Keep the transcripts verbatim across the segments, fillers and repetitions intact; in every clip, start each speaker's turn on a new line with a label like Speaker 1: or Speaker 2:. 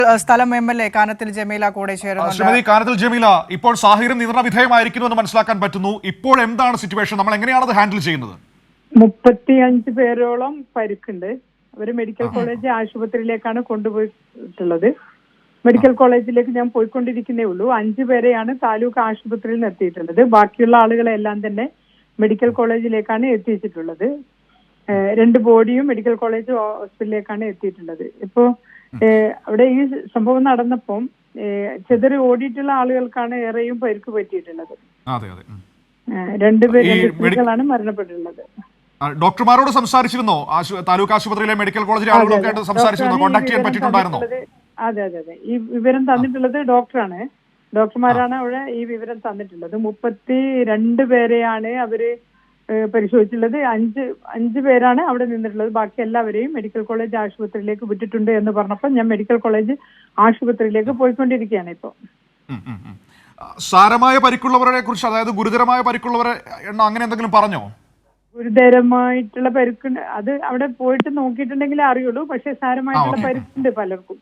Speaker 1: സ്ഥലം M L A Kanathil Jameela കൂടെ ചേരുന്നു.
Speaker 2: ശ്രീമതി കാനത്തിൽ ജമീല, ഇപ്പോൾ സാഹചര്യം നിയന്ത്രണ വിധേയമായിരിക്കുന്നു എന്ന് മനസ്സിലാക്കാൻ പറ്റുന്നു. ഇപ്പോൾ എന്താണ് സിറ്റുവേഷൻ? നമ്മൾ എങ്ങനെയാണ് അത് ഹാൻഡിൽ ചെയ്യുന്നത്?
Speaker 3: മുപ്പത്തിയഞ്ച് പേരോളം പരിക്കുണ്ട്. അവര് മെഡിക്കൽ കോളേജ് ആശുപത്രിയിലേക്കാണ് കൊണ്ടുപോയിട്ടുള്ളത്. മെഡിക്കൽ കോളേജിലേക്ക് ഞാൻ പോയിക്കൊണ്ടിരിക്കുന്നേ ഉള്ളൂ. അഞ്ചു പേരെയാണ് താലൂക്ക് ആശുപത്രിയിൽ നിന്ന് എത്തിയിട്ടുള്ളത്. ബാക്കിയുള്ള ആളുകളെല്ലാം തന്നെ മെഡിക്കൽ കോളേജിലേക്കാണ് എത്തിച്ചിട്ടുള്ളത്. രണ്ട് ബോഡിയും മെഡിക്കൽ കോളേജ് ഹോസ്പിറ്റലിലേക്കാണ് എത്തിയിട്ടുള്ളത്. ഇപ്പോ അവിടെ ഈ സംഭവം നടന്നപ്പം ചെതറി ഓടിയിട്ടുള്ള ആളുകൾക്കാണ് ഏറെയും പരിക്ക് പറ്റിയിട്ടുള്ളത്. രണ്ടുപേർ സ്ത്രീകളാണ് മരണപ്പെട്ടിട്ടുള്ളത്.
Speaker 2: ഡോക്ടർമാരോട് സംസാരിച്ചിരുന്നോ? താലൂക്ക് ആശുപത്രിയിലെ മെഡിക്കൽ കോളേജിലെ ആളുകളൊക്കെ സംസാരിച്ചിരുന്നോ? കോൺടാക്ട് ചെയ്യാൻ പറ്റിയിട്ടുണ്ടായിരുന്നോ?
Speaker 3: അതെ അതെ അതെ ഈ വിവരം തന്നിട്ടുള്ളത് ഡോക്ടറാണ്. ഡോക്ടർമാരാണ് അവിടെ ഈ വിവരം തന്നിട്ടുള്ളത്. മുപ്പത്തി രണ്ട് പേരെയാണ് അവര് പരിശോധിച്ചുള്ളത്. അഞ്ച് അഞ്ച് പേരാണ് അവിടെ നിന്നിട്ടുള്ളത്. ബാക്കി എല്ലാവരെയും മെഡിക്കൽ കോളേജ് ആശുപത്രിയിലേക്ക് വിട്ടിട്ടുണ്ട് എന്ന് പറഞ്ഞപ്പോൾ ഞാൻ മെഡിക്കൽ കോളേജ് ആശുപത്രിയിലേക്ക് പോയിക്കൊണ്ടിരിക്കുകയാണ് ഇപ്പോൾ.
Speaker 2: സാരമായ പരിക്കുള്ളവരെ കുറിച്ച്, അതായത് ഗുരുതരമായ പരിക്കുള്ളവരെ എണ്ണം അങ്ങനെ എന്തെങ്കിലും പറഞ്ഞോ?
Speaker 3: ഗുരുതരമായിട്ടുള്ള പരിക്കുണ്ട്, അത് അവിടെ പോയിട്ട് നോക്കിയിട്ടുണ്ടെങ്കിലേ അറിയുള്ളൂ. പക്ഷെ സാരമായിട്ടുള്ള പരിക്കുണ്ട് പലർക്കും.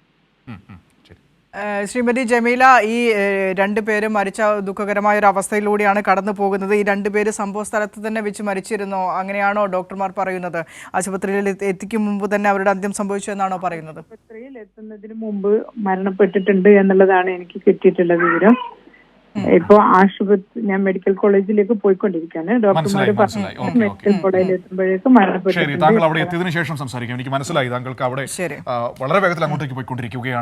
Speaker 1: ശ്രീമതി ജമീല, ഈ രണ്ടുപേരും മരിച്ച ദുഃഖകരമായ ഒരു അവസ്ഥയിലൂടെയാണ് കടന്നു പോകുന്നത്. ഈ രണ്ടുപേര് സംഭവ സ്ഥലത്ത് തന്നെ വെച്ച് മരിച്ചിരുന്നോ? അങ്ങനെയാണോ ഡോക്ടർമാർ പറയുന്നത്? ആശുപത്രിയിൽ എത്തിക്കും മുമ്പ് തന്നെ അവരുടെ അന്ത്യം സംഭവിച്ചു എന്നാണോ പറയുന്നത്?
Speaker 3: ആശുപത്രിയിൽ എത്തുന്നതിന് മുമ്പ് മരണപ്പെട്ടിട്ടുണ്ട് എന്നുള്ളതാണ് എനിക്ക് കിട്ടിയിട്ടുള്ള വിവരം. ഇപ്പൊ ആശുപത്രി ഞാൻ മെഡിക്കൽ കോളേജിലേക്ക് പോയിക്കൊണ്ടിരിക്കുകയാണ്. ഡോക്ടർമാർ മെഡിക്കൽ കോളേജിൽ എത്തുമ്പോഴേക്കും മരണപ്പെട്ടു.
Speaker 2: താങ്കൾ അവിടെ എത്തിയതിനു ശേഷം സംസാരിക്കാം. എനിക്ക് മനസ്സിലായി താങ്കൾക്ക് അവിടെ വളരെ വേഗത്തിൽ അങ്ങോട്ടേക്ക് പോയിക്കൊണ്ടിരിക്കുകയാണ്.